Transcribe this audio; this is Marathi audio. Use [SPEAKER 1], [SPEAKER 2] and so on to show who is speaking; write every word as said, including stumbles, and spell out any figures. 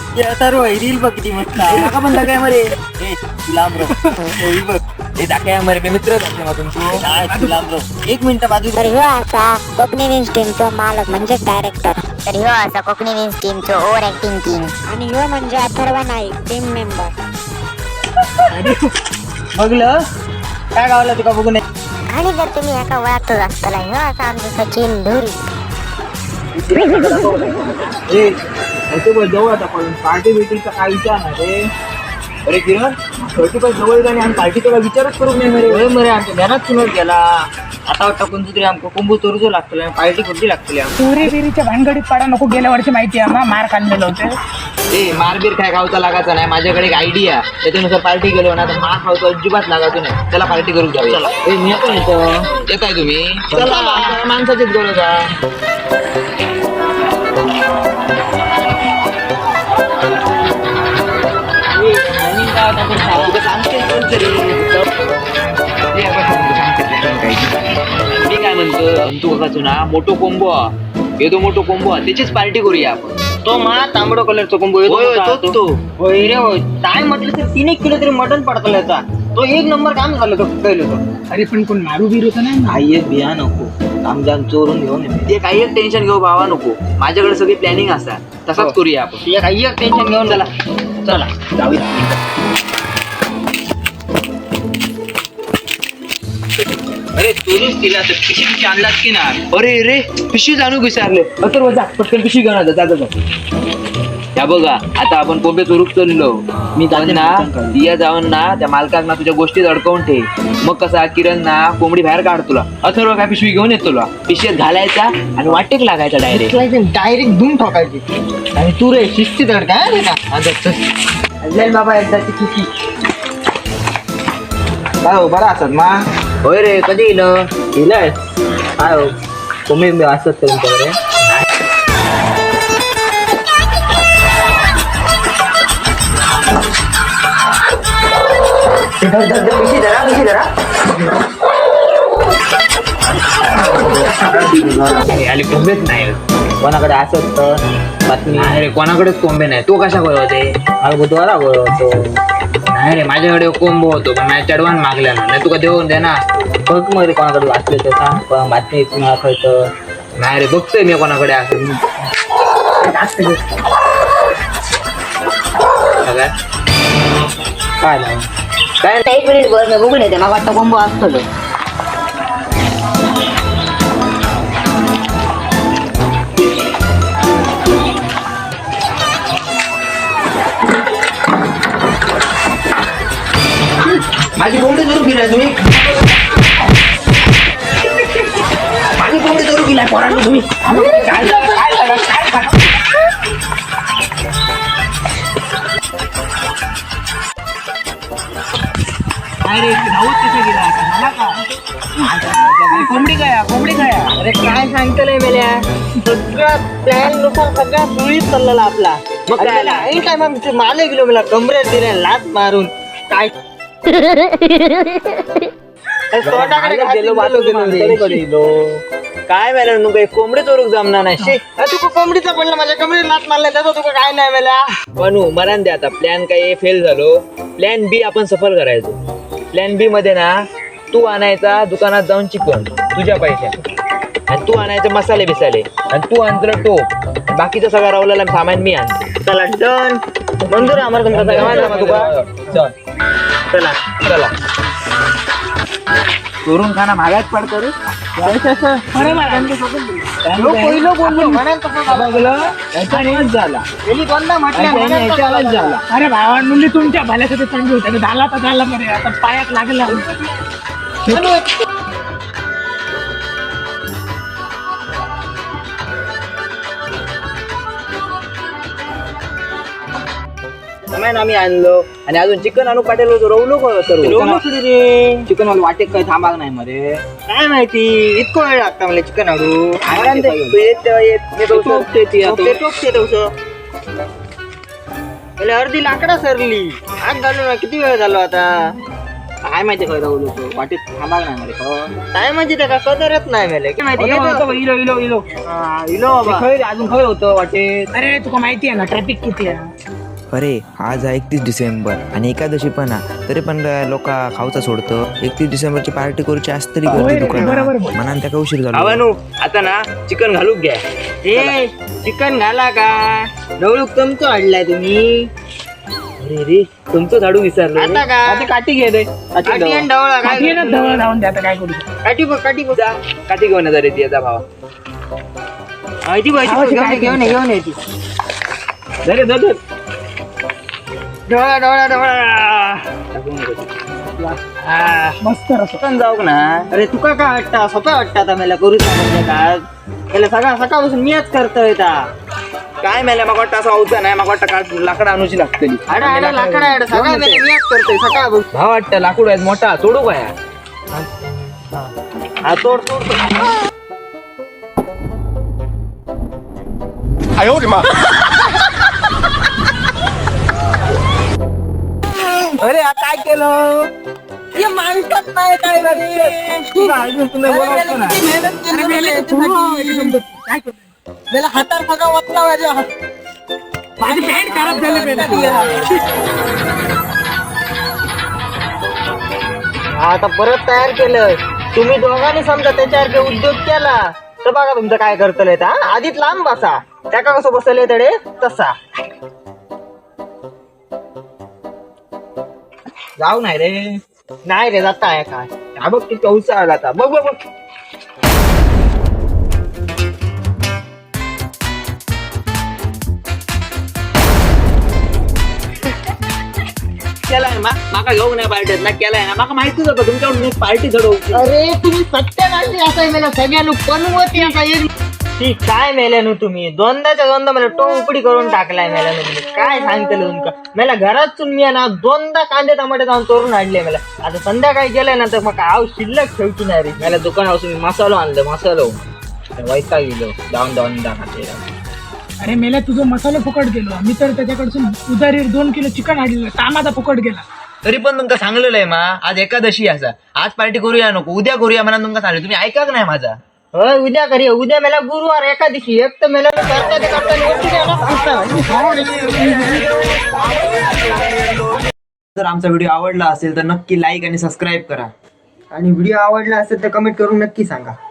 [SPEAKER 1] सर्व रील बघती मस्त नका पण दाखवाय मरे ए तू लांब रह हे बघ हे दाखवाय मरे मी मित्र दाखवे मग तुमची तू लांब रह एक मिनिट बाजू
[SPEAKER 2] तर ह्यो असा कोकणी विंग्स टीमचो मालक म्हणजे डायरेक्टर. तर ह्यो असा कोकणी विंग्स टीमचो ओव्हर ऍक्टिंग किंग. आणि ह्यो म्हणजे अथर्व नाईक टीम मेंबर.
[SPEAKER 1] बघलं काय गावला तुका बघून
[SPEAKER 2] आणि जर तुम्ही एका वळखतच असताना ह्यो असा आमचा सचिन धुरी.
[SPEAKER 1] जवळ आता पण पार्टी बिटीचा काय विचार नाही रे. अरे किरण थर्टी पण जवळ आणि आम्ही पार्टी तुला विचारच करू नाही मरे मरे आमच्या ध्यानात सुनत गेला. आता वाटतं कोणतं तरी आमको कुंभू चोरूचो लागतले पार्टी कुठली लागतली
[SPEAKER 3] चोरी बिरीच्या भानगडीत पडा नको. गेल्या वर्षी माहिती आहे ना मार खाल्लेलं होतं.
[SPEAKER 1] ए मारबीर काय खावचा लागायचा नाही. माझ्याकडे एक आयडिया त्याच्यानुसार पार्टी गेलो ना तर मार खावचा अजिबात लागायचो नाही. त्याला पार्टी करू जाऊ. ए मी पण येतो येताय तुम्ही चला माणसाचीच गरज आहे. मी काय म्हणतो तू बघाचो ना मोठो कोंबो येतो मोठो कोंबो त्याचीच पार्टी करूया आपण. तो मा तांबडो कलरचा कोंबो येतो होय रे होय. काय म्हटलं तर तीन एक किलो तरी मटन पडतो याचा. तो एक नंबर काम झालं तो पहिलं तो.
[SPEAKER 3] अरे पण कोण मारू बिरू तर नाही.
[SPEAKER 1] काही एक बिया नको कामजाम चोरून घेऊन ते काही एक टेन्शन घेऊ भावा नको. माझ्याकडे सगळी प्लॅनिंग असतात तसाच करूया आपण. ते काही एक टेन्शन घेऊन त्याला चला जाऊया. अरे चोरूच तिला तर पिशी आणलात की ना. अरे रे पिशी जाणू विचारले तर जा पटकन पिशी घेऊन जा जा. त्या बघा आता आपण कोंबे चोरूक चाललो. मी जाऊन ना दिया जाऊन ना त्या मालकाक ना तुझ्या गोष्टीत अडकवून ठेव. मग कसा किरण ना कोंबडी बाहेर काढ तुला. अथर्व काय पिशवी घेऊन येत तुला. पिशवीत घालायचा आणि वाटेक लागायचा डायरेक्ट
[SPEAKER 3] डायरेक्ट धुवून ठोकायची.
[SPEAKER 1] आणि तू रे शिस्तीत अड काय जाईल बाबा एकदाची किती काय हो बरा असत मा. होय रे कधी येलं येलंय काय हो तुम्ही असत तुमच्याकडे. आली कोंबेच नाही कोणाकडे असत तर बातमी नाही रे. कोणाकडेच कोंबे नाही. तो कशा कळवते मला बुधवारा कळवतो. नाही रे माझ्याकडे कोंबो होतो पण नाही चढवान मागल्या ना नाही तुका देऊन दे ना. बघ मग रे कोणाकडे वाचले तर सांग पण बातमी मला कळतं. नाही रे बघतोय मी कोणाकडे असेल काय नाही काय
[SPEAKER 2] एक मिनिट बस मी बघून येते. मला वाटतं कोंबो असतो.
[SPEAKER 1] माझी कोंबडी चोरू गेलाय तुम्ही. माझी कोंबडी चोरू गेलाय पोरांनो तुम्ही. काय
[SPEAKER 3] अरे धावत कसा गेला मला का. कोंबडी काय कोंबडी काय.
[SPEAKER 1] अरे काय सांगतलंय मेल्या सगळा प्लॅन नुसार सगळा सुळीत चाललेला आपला. मग काय ऐन टाइम माले गेलो मला कमरेत दिले लात मारून काय काय मेला नु काही कोंबडी चोरूक जमणार नाही. तुका कोंबडीचा पडला माझ्या कमरेत लात मारला त्याचा तुका काय नाही मेला. बनू मरण दे आता. प्लॅन काय फेल झालो. प्लॅन बी आपण सफल करायचो. प्लॅन बी मध्ये ना तू आणायचा दुकानात जाऊन चिकन तुझ्या पैशात आणि तू आणायचे मसाले बिसाले आणि तू आणलं टोप. बाकीचं सगळं रावलेला सामान मी आणतो. चला डन मंजूर आहे आम्हाला तुमचा सगळा तुका. चला चला चोरून खाना महागात पडतो रे.
[SPEAKER 3] अरे भावा नुली तुमच्या भल्यासाठी चांगली होते. झाला तर झाला मरे आता पायात लागला.
[SPEAKER 1] आम्ही आणलो आणि अजून चिकन आणू पाटील होतो. रवलो रे चिकन वाला वाटेक काही थांबाग नाही मध्ये काय माहिती इतकं वेळ लागता मला चिकन आणू. अर्धी लाकडा सरली आग घालू ना. किती वेळ झालो आता काय माहिती खरं रवलो तो वाटेत थांबाग नाही मला. काय माहिती त्या कदरच नाही मला काय माहिती. इलो इलो इलो इलो अजून खबर होतं वाटेत.
[SPEAKER 3] अरे तुका माहिती आहे ना ट्रॅफिक किती आहे.
[SPEAKER 4] अरे आज आहे एकतीस डिसेंबर आणि एकादशी पण आहे तरी पण लोक खाऊचा सोडतं. एकतीस डिसेंबरची पार्टी करूची असत तरी गर्दी दुकानात म्हणा त्या उशीर झाला.
[SPEAKER 1] भावानू आता ना चिकन घालूक घ्या.
[SPEAKER 3] ए चिकन घाला का ढवळूक तुमचं आणलाय तुम्ही
[SPEAKER 1] अरे रे तुमचं झाडू विसरलो
[SPEAKER 3] आता का
[SPEAKER 5] आता काठी घे रे
[SPEAKER 3] काठी आणि ढवळा काय
[SPEAKER 5] काठी ना धवळ लावून द्या आता काय करू शकतो.
[SPEAKER 3] काठी बघ काठी बघ
[SPEAKER 1] जा काठी घेऊन ये जरा ती याचा भावा.
[SPEAKER 3] माहिती पाहिजे घेऊन ये, घेऊन ये, घेऊन येते
[SPEAKER 5] धरे धर धर.
[SPEAKER 3] ढवळा ढवळा ढवळा हा.
[SPEAKER 5] मस्त रस
[SPEAKER 3] पण जाऊ ना. अरे तुका काय वाटतं सोपा वाटतं आता मला करू म्हणजे काय त्याला सगळा सकाळपासून मीच करतोय ता
[SPEAKER 1] काय मेल्या मग वाटतं असं होतं नाही मग वाटतं का लाकड आणूची लागतली.
[SPEAKER 3] अरे अरे लाकडा आहे सगळा मीच करतोय सकाळ
[SPEAKER 1] भाव वाटतं लाकूड आहे मोठा तोडू काय
[SPEAKER 3] हा तोड तोड तोड.
[SPEAKER 5] अरे हा काय केलं हे माणसात नाही काय मला हातात सगळा वाचला माझ्या माझी पॅन्ट खराब झाली.
[SPEAKER 3] आता परत तयार केलं तुम्ही दोघांनी समजा त्याच्यासारखे उद्योग केला तर बघा तुमचं काय करतलंय हा आधीच लांब बसा त्या का कसं बसले तडे तसा
[SPEAKER 1] जाऊ नाही रे.
[SPEAKER 3] नाही रे जाता आहे काय
[SPEAKER 1] हा बघ किती पाऊस आला आता बघ बघ बघ. केलाय मा माका घेऊन नाही पार्टीत ना केलाय ना माका माहितीच होतं तुमच्याकडून एक पार्टी चढवू.
[SPEAKER 3] अरे तुम्ही सत्यानाशी असं मला सगळ्यांना बनवती असा ती काय मेल्यानु तुम्ही दोनदाच्या दोनदा मला टो उपडी करून टाकलाय मेल्यानु तुम्ही काय सांगतलं तुमका मला घरात मी ना दोनदा कांदे टमाटे जाऊन तोरून आणले मला आता संध्याकाळी गेलाय ना तर मग आव शिल्लक ठेवची नाही रे मला दुकानापासून मी मसालो आणलं मसालो वैता गेलो जाऊन जाऊन दाखवते.
[SPEAKER 5] अरे मेला तुझं मसाला फुकट गेलो मी तर त्याच्याकडसून उधारीवर दोन किलो चिकन आणलेलं कामाचा फुकट गेला.
[SPEAKER 1] तरी पण तुमका सांगलेलं आहे मा आज एकादशी असा आज पार्टी करूया नको उद्या करूया म्हणा तुमका सांगले तुम्ही ऐका नाही माझा.
[SPEAKER 3] होय उद्या करी उद्या मला गुरुवार एका दिवशी एक तर मला करता ते करता
[SPEAKER 1] जर आमचा व्हिडिओ आवडला असेल तर नक्की लाईक आणि सबस्क्राईब करा
[SPEAKER 3] आणि व्हिडिओ आवडला असेल तर कमेंट करून नक्की सांगा.